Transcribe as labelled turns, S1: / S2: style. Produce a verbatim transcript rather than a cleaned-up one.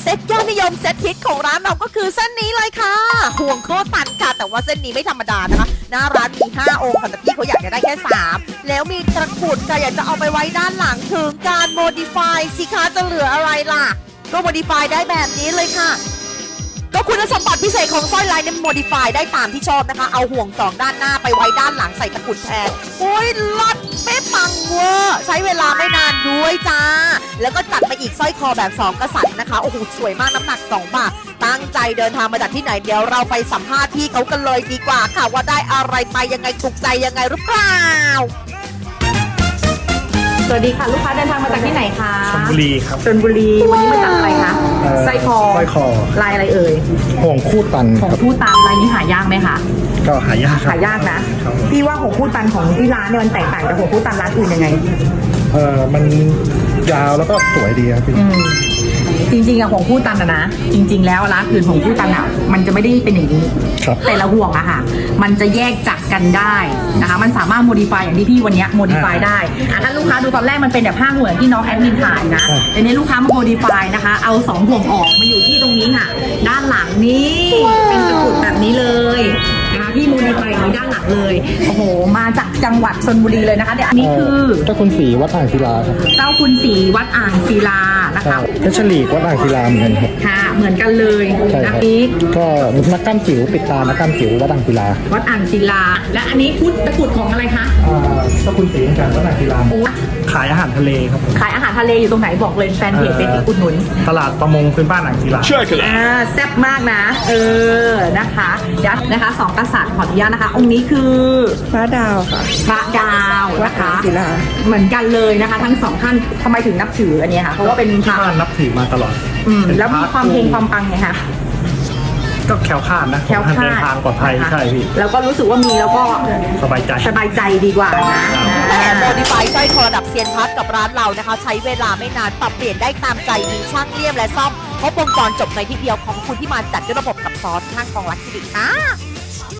S1: เซ็ตยอดนิยมเซ็ตฮิตของร้านเราก็คือเส้นนี้เลยค่ะห่วงโคตรตันค่ะแต่ว่าเส้นนี้ไม่ธรรมดานะคะหน้าร้านมีห้าองค์ค่ะแต่พี่เขาอยากจะได้แค่สามแล้วมีตะกรุดค่ะอยากจะเอาไปไว้ด้านหลังถึงการโมดิฟายสิคะจะเหลืออะไรล่ะก็โมดิฟายได้แบบนี้เลยค่ะก็คุณสมบัติพิเศษของสร้อยลายเนี่ยโมดิฟายได้ตามที่ชอบนะคะเอาห่วงสองด้านหน้าไปไว้ด้านหลังใส่ตะกรุดแทนโอ้ยลัดเป๊ะปังเวอร์ใช้เวลาไม่นานด้วยจ้าแล้วก็จัดมาอีกสร้อยคอแบบสองกษัตริย์นะคะโอ้โหสวยมากน้ำหนักสองบาทตั้งใจเดินทางมาจากที่ไหนเดี๋ยวเราไปสัมภาษณ์พี่เขากันเลยดีกว่าค่ะว่าได้อะไรไปยังไงถูกใจยังไงหรือเปล่า
S2: สวัสดีค่ะลูกค้าเดินทางมาจากที่ไหนคะ
S3: ชลบุรีครับ
S2: ชลบุรีวันนี้มาจากอะไรคะสร้อยคอ
S3: สร้อยคอ
S2: ลายอะไรเอ่ย
S3: ห่วงคู่ตัน
S2: ของคู่ตันลายนี้หายากไหมคะ
S3: ก็หายาก
S2: หายากนะพี่ว่าของคู่ตันของที่ร้านเนี่ยมันแตกต่างจากของคู่ตันร้านอื่นยังไง
S3: เออมันยาวแล้วก็สวยดีครับพี่
S2: จริงๆอะของคู่ตันอะนะจริงๆแล้วร้านอื่นของคู่ตันอะมันจะไม่ได้เป็นอย่างนี้แต่ละห่วงอะค่ะมันจะแยกจากกันได้นะคะมันสามารถโมดิฟายอย่างที่พี่วันนี้โมดิฟายได้อะถ้าลูกค้าดูตอนแรกมันเป็นแบบผ้าห่วงที่น้องแอดมินถ่ายนะแต่นี้ลูกค้ามาโมดิฟายนะคะเอาสองห่วงออกมาอยู่ที่ตรงนี้ค่ะด้านหลังนี้เป็นตะกรุดแบบนี้เลยนะคะพี่โมดิฟายอย่างนี้ด้านหลังเลยโอ้โหมาจากจังหวัดชลบุรีเลยนะคะเดี๋ยวอันนี้คือ
S3: เจ้าคุณศรีวัดอ่างศิลาครับ
S2: เจ้าคุณศรีวัดอ่างศิลานะคะ
S3: เพชรลีวัดอ่างศิลาเหมือนกันครับ
S2: ค่ะเหมือนกันเลยนะนี้
S3: ก็นักกล้ามจิ๋วปิดตานักกล้ามจิ๋ววัดอ่างศิลา
S2: วัดอ่างศิลาและอันนี้พุทธตะกรุดของอะไรคะ
S3: เจ้าคุณศรีเหมือนกันวัดอ่างศิลาขายอาหารทะเลครับ
S2: ขายอาหารทะเลอยู่ตรงไหนบอกเลยแฟนเพจเป็นอุดหนุน
S3: ตลาดประมงพื้นบ้านอ่างศิลา
S2: ใช่ค่ะอ่าแซ่บมากนะเออนะคะเดี๋ยวนะคะสองกษัตริย์ขออนุญาตนะคะองค์นี้คือ
S4: พระดาวค่ะ
S2: พระดาวนะคะ
S4: ศิลา
S2: เหมือนกันเลยนะคะทั้งสองท่านทำไมถึงนับถืออันนี้คะเพราะว่าเป็น
S3: พระนับถือมาตลอด
S2: อืมแล้วมีความเพลงความปังไงคะ
S3: ก็แคล้วคลาดนะ
S2: แคล้วคลาด
S3: เดินทางปลอดภัยใช่พี่
S2: แล้วก็รู้สึกว่ามีแล้วก็
S3: สบายใจ
S2: สบายใจดีกว่านะ
S1: แต่โมดิฟายสร้อยคอระดับเซียนพัดกับร้านเรานะคะใช้เวลาไม่นานปรับเปลี่ยนได้ตามใจมีช่างเลี่ยมและซ่อมครบวงจรจบในที่เดียวของคุณที่มาจัดด้วยระบบกับซอสข้างกองรักสิริค่ะ